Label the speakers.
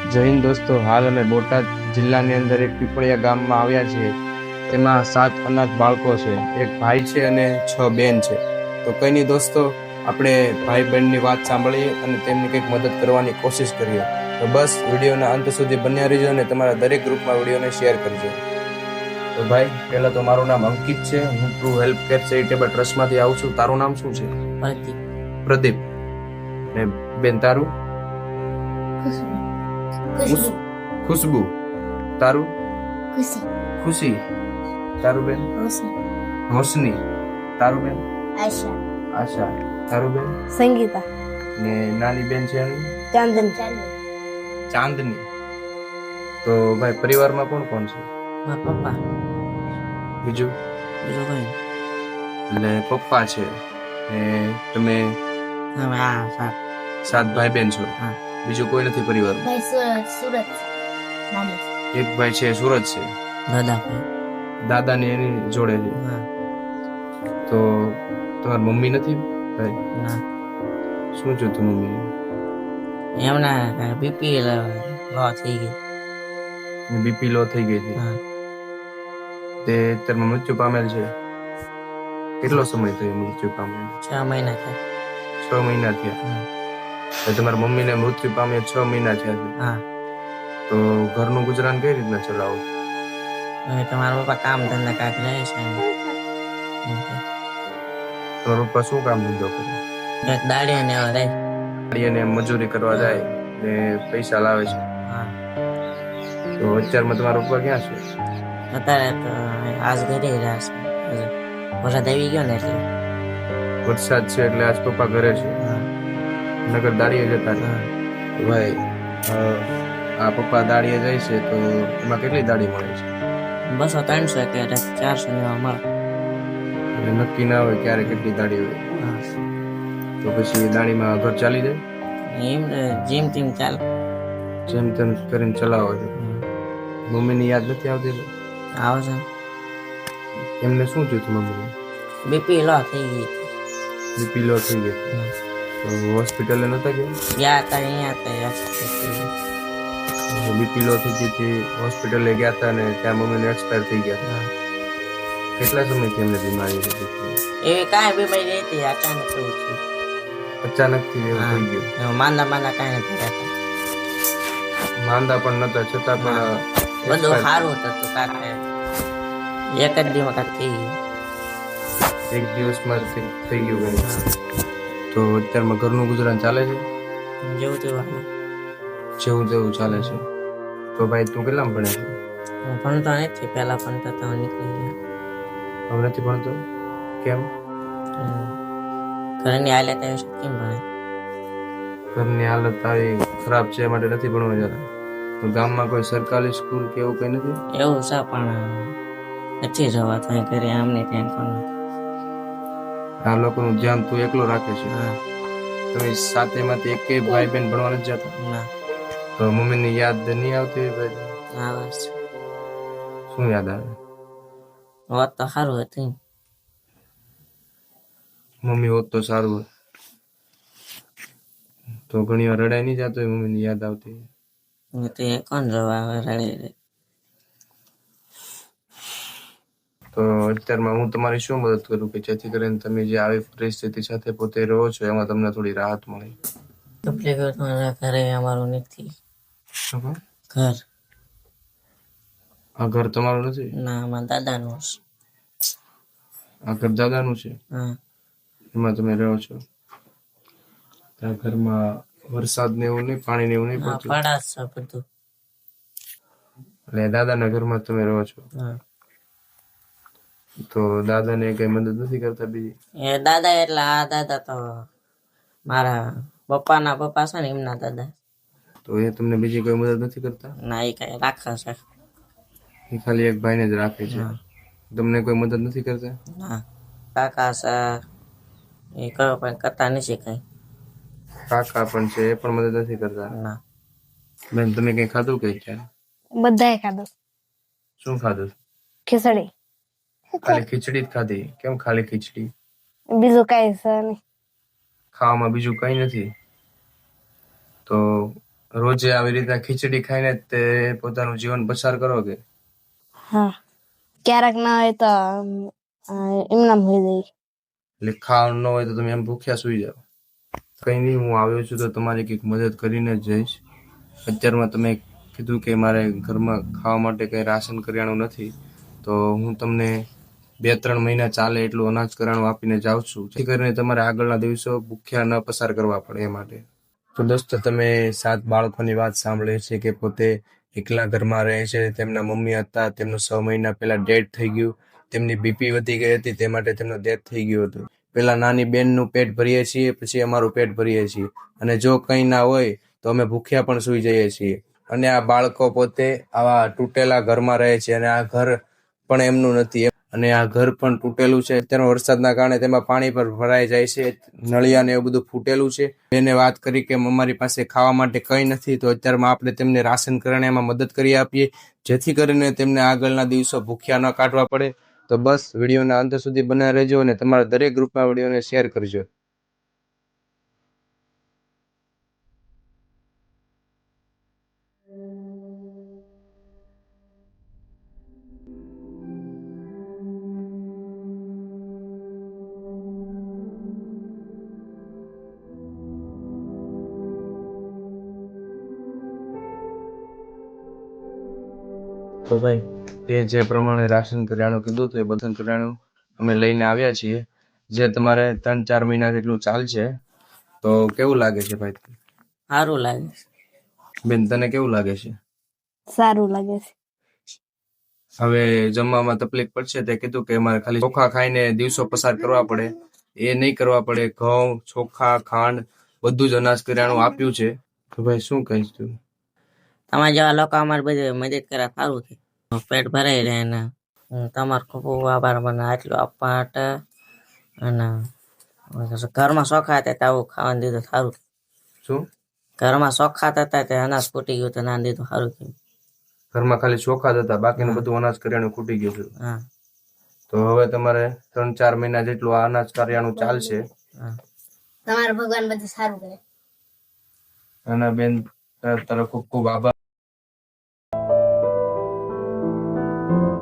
Speaker 1: જય હિન્દ દોસ્તો, હાલ અમે બોટાદ જિલ્લાની અંદર એક પીપળિયા ગામમાં આવ્યા છીએ. તેમાં 7 અનાથ બાળકો છે, એક ભાઈ છે અને 6 બેન છે. તો કઈ નહીં દોસ્તો, આપણે ભાઈ બહેનની વાત સાંભળીએ અને તેમની કંઈક મદદ કરવાની કોશિશ કરીએ. તો બસ વિડીયોના અંત સુધી બન્યા રહેજો અને તમારા દરેક ગ્રુપમાં વિડીયોને શેર કરજો. તો ભાઈ, પહેલા તો મારું નામ અંકિત છે. હું ટ્રુ હેલ્પ કેર ચેરિટેબલ ટ્રસ્ટમાંથી આવું છું. તારું નામ શું છે? પ્રદીપ. ને બેન તારું? ખુશ્બુ. તારું? ખુશી. તારું બેન? રોશની. તારું બેન? આશા. તારું બેન?
Speaker 2: સંગીતા.
Speaker 1: ને નાની બેન છે એની? ચાંદની. તો ભાઈ, પરિવારમાં કોણ કોણ છે?
Speaker 3: મારા પપ્પા.
Speaker 1: બીજું
Speaker 3: કોઈ
Speaker 1: એટલે પપ્પા છે ને તમે
Speaker 3: અમે
Speaker 1: 7 ભાઈ બેન છો.
Speaker 3: હા.
Speaker 1: બીજું કોઈ નથી પરિવારમાં?
Speaker 2: સુરત.
Speaker 1: એક ભાઈ છે સુરત છે,
Speaker 3: દાદા ભાઈ.
Speaker 1: દાદાની એની જોડે છે.
Speaker 3: હા.
Speaker 1: તો તમારી મમ્મી નથી ભાઈ?
Speaker 3: ના,
Speaker 1: શું છે તું મમ્મી?
Speaker 3: એમના બીપી લો થઈ ગઈ.
Speaker 1: બીપી લો થઈ ગઈ હતી.
Speaker 3: હા.
Speaker 1: તે અત્યારમાં મૃત્યુ પામેલ છે. કેટલો સમય થયો મૃત્યુ પામેલ?
Speaker 3: 6 મહિના થયા.
Speaker 1: 6 મહિના થયા. તો તમારા મમ્મીને મૃત્યુ પામે 6 મહિના થયા છે.
Speaker 3: હા.
Speaker 1: તો ઘરનું ગુજરાન કઈ રીતના ચલાવો?
Speaker 3: હવે તમારા પપ્પા કામ ધંધા કાંઈક રહે છે
Speaker 1: તમારા પપ્પા શું કામ ધંધો કરે?
Speaker 3: એક દાડી ને એવા રહે.
Speaker 1: અને મજૂરી કરવા જાય ને પૈસા લાવે છે.
Speaker 3: હા.
Speaker 1: તો અત્યારમાં તમારા પપ્પા ક્યાં છે?
Speaker 3: અત્યારે તો આજ ઘરે રહ્યા છે. વરસાદ આવી ગયો ને એટલે.
Speaker 1: વરસાદ છે એટલે આજ પપ્પા ઘરે છે.
Speaker 3: હા.
Speaker 1: નગર દાડીએ જતા રહે.
Speaker 3: હા.
Speaker 1: ભાઈ, આ પપ્પા દાડીએ જાય છે તો એમાં કેટલી દાડી મળે છે?
Speaker 3: 200-300 કે 400 ને એવા મળે.
Speaker 1: એટલે નક્કી ના હોય ક્યારે કેટલી દાડી હોય.
Speaker 3: હા.
Speaker 1: તો પછી દાડીમાં ઘર ચાલી જાય?
Speaker 3: એમ જેમ તેમ ચાલે.
Speaker 1: જેમ તેમ કરીને ચલાવો છો. મમ્મીની યાદ નથી આવતી?
Speaker 3: આવે છે.
Speaker 1: એમને શું થયું હતું મમ્મીને?
Speaker 3: બીપી લો થઈ ગઈ.
Speaker 1: બીપી લો થઈ ગઈ. તો હોસ્પિટલે નતા ગયા?
Speaker 3: ગયા હતા અહીંયા હતા.
Speaker 1: બીપી લો થઈ ગઈ હતી, હોસ્પિટલે ગયા હતા ને ત્યાં મમ્મીને એક્સપાયર થઈ ગયા. કેટલા સમયથી એમને બીમારી હતી?
Speaker 3: એવી કાંઈ બીમારી હતી, અચાનક એવું થયું.
Speaker 1: અચાનકથી એવું થઈ ગયું?
Speaker 3: માંદા કાંઈ નથી રહેતા.
Speaker 1: માંદા પણ નતા, છતાં પણ
Speaker 3: બધું સારું હતું કાંઈ. એક જ દિવસમાં કાંઈક થઈ ગયું.
Speaker 1: એક દિવસમાં થઈ ગયું કંઈ? તો અત્યારમાં ઘરનું ગુજરાન ચાલે છે?
Speaker 3: જેવું તેવું
Speaker 1: જેવું તેવું ચાલે છે. તો ભાઈ, તું કેટલામાં ભણે છે?
Speaker 3: હું ભણતો નથી, પહેલા ભણતો તો નીકળી ગયો.
Speaker 1: હવે નથી ભણતો? કેમ?
Speaker 3: ઘરની હાલત આવી છે, કેમ ભણે?
Speaker 1: ઘરની હાલત આવી ખરાબ છે એ માટે નથી ભણવા જતા. તો ગામમાં કોઈ સરકારી સ્કૂલ કે એવું કઈ નથી?
Speaker 3: એવું છે પણ નથી જવા તો ઘરે આમને ત્યાં કોણ.
Speaker 1: આ લોકોનું ધ્યાન તું એકલો રાખે છે?
Speaker 3: હા.
Speaker 1: તમે સાથેમાંથી એકેય ભાઈ બહેન ભણવા નથી જતા?
Speaker 3: ના.
Speaker 1: તો મમ્મીની યાદ નહીં આવતી હોય ભાઈ?
Speaker 3: આવે છે.
Speaker 1: શું યાદ આવે?
Speaker 3: હોત તો સારું હતું.
Speaker 1: મમ્મી હોત તો સારું હોય. તો ઘણી વાર રડાઈ નહીં જતો હોય મમ્મીની યાદ આવતી?
Speaker 3: તે કોણ જવા રડે.
Speaker 1: તો અત્યારમાં હું તમારી શું મદદ કરું કે જેથી કરીને તમે જે આવી પરિસ્થિતિ સાથે પોતે રહો છો એમાં તમને થોડી રાહત મળે?
Speaker 3: ઘરે અમારું નથી ઘર.
Speaker 1: આ ઘર તમારું નથી?
Speaker 3: ના, મારા દાદાનું છે.
Speaker 1: આ ઘર દાદાનું છે?
Speaker 3: હા.
Speaker 1: એમાં તમે રહો છો? ત્યાં ઘરમાં વરસાદ ને એવું નહીં, પાણી ને એવું નહીં પડતું?
Speaker 3: પડા છે બધું.
Speaker 1: એટલે દાદાના ઘરમાં તમે રહો છો?
Speaker 3: હા.
Speaker 1: તો દાદાને કઈ મદદ નથી કરતા બીજી?
Speaker 3: એ દાદા એટલે આ દાદા તો મારા પપ્પાના પપ્પા છે ને એમના દાદા.
Speaker 1: તો એ તમને બીજી કોઈ મદદ નથી કરતા?
Speaker 3: ના, એ કઈ રાખે છે.
Speaker 1: એ ખાલી એક ભાઈને જ રાખે છે? તમને કોઈ મદદ નથી કરતા?
Speaker 3: ના, કાકા છે એ કરો પણ કરતા નથી કઈ.
Speaker 1: કાકા પણ છે, એ પણ મદદ નથી કરતા?
Speaker 3: ના.
Speaker 1: બેન, તમે કઈ ખાધું કઈ ક્યાં?
Speaker 2: બધાએ ખાધું.
Speaker 1: શું ખાધું?
Speaker 2: ખીચડી.
Speaker 1: ખાલી ખીચડી જ ખાધી? કેમ ખાલી ખીચડી?
Speaker 2: બીજું કઈ છે નહીં.
Speaker 1: ખાવામાં બીજું કઈ નથી? તો રોજે આવી રીતના ખીચડી ખાઈને જ તે પોતાનું જીવન પસાર કરો કે
Speaker 2: હા ક્યારેક ના હોય તો એમનામ હોઈ જાય.
Speaker 1: એટલે ખાવાનું ન હોય તો તમે એમ ભૂખ્યા સુઈ જાઓ? કઈ નહીં, હું આવ્યો છું તો તમારી કંઈક મદદ કરીને જ જઈશ. અત્યારમાં તમે કીધું કે મારે ઘરમાં ખાવા માટે કંઈ રાશન કરિયાણું નથી, તો હું તમને 2-3 મહિના ચાલે એટલું અનાજ કરિયાણું આપીને જાઉં છું, જેથી કરીને તમારે આગળના દિવસો ભૂખ્યા ન પસાર કરવા પડે એ માટે. તો દોસ્તો, તમે 7 બાળકોની વાત સાંભળી છે કે પોતે એકલા ઘરમાં રહે છે. તેમના મમ્મી હતા, તેમનું 6 મહિના પહેલા ડેથ થઈ ગયું. તેમની બીપી વધી ગઈ હતી, તે માટે તેમનું ડેથ થઈ ગયું હતું. પેલા નાની બેનનું પેટ ભરીએ છીએ, પછી અમારું પેટ ભરીએ છીએ, અને જો કંઈ ના હોય તો અમે ભૂખ્યા પણ સૂઈ જઈએ છીએ. અને આ બાળકો પોતે આવા તૂટેલા ઘરમાં રહે છે, અને આ ઘર પણ એમનું નથી, અને આ ઘર પણ તૂટેલું છે. અત્યારમાં વરસાદના કારણે તેમાં પાણી પર ભરાઈ જાય છે, નળિયા ને એવું બધું ફૂટેલું છે. એને વાત કરી કે અમારી પાસે ખાવા માટે કંઈ નથી, તો અત્યારમાં આપણે તેમને રાશન કરિયાણામાં મદદ કરી આપીએ, જેથી કરીને તેમને આગળના દિવસો ભૂખ્યા ન કાઢવા પડે. તો બસ વિડીયોના અંત સુધી બનાવી રહેજો, અને તમારા દરેક ગ્રુપમાં વિડીયોને શેર કરજો. તો ભાઈ, તે જે પ્રમાણે રાશન કરિયાણું કીધું હતું એ બધું કરિયાણું અમે લઈને આવ્યા છીએ, જે તમારે 3-4 મહિના જેટલું ચાલશે. તો કેવું લાગે છે ભાઈ?
Speaker 3: સારું લાગે છે.
Speaker 1: બેન, તને કેવું લાગે છે?
Speaker 2: સારું લાગે છે.
Speaker 1: હવે જમવામાં તકલીફ પડશે, તે કીધું કે અમારે ખાલી ચોખા ખાઈને દિવસો પસાર કરવા પડે, એ નહીં કરવા પડે. ઘઉં, ચોખા, ખાંડ બધું જ અનાજ કરિયાણું આપ્યું છે. તો ભાઈ શું કહીશ તું?
Speaker 3: તમારા જેવા લોકો અમારે બધી મદદ કરે સારું છે, પેટ ભરાઈ રહે ને તમારો ખૂબ ખૂબ આભાર મને આટલું આપવા માટે. અને ઘરમાં ચોખા હતા આવું ખાવાનું દીધું સારું.
Speaker 1: શું
Speaker 3: ઘરમાં ચોખા હતા તે અનાજ ફૂટી ગયું તો ના દીધું સારું થયું.
Speaker 1: ઘરમાં ખાલી ચોખા જ હતા, બાકીનું
Speaker 3: હા.
Speaker 1: બધું અનાજ કરિયાણું ખૂટી ગયું છે?
Speaker 3: હા.
Speaker 1: તો હવે તમારે 3-4 મહિના જેટલું આ અનાજ કરિયાણું ચાલશે.
Speaker 3: હા.
Speaker 2: તમારું ભગવાન બધું સારું કરે.
Speaker 1: અને બેન, તારો ખૂબ ખૂબ આભાર.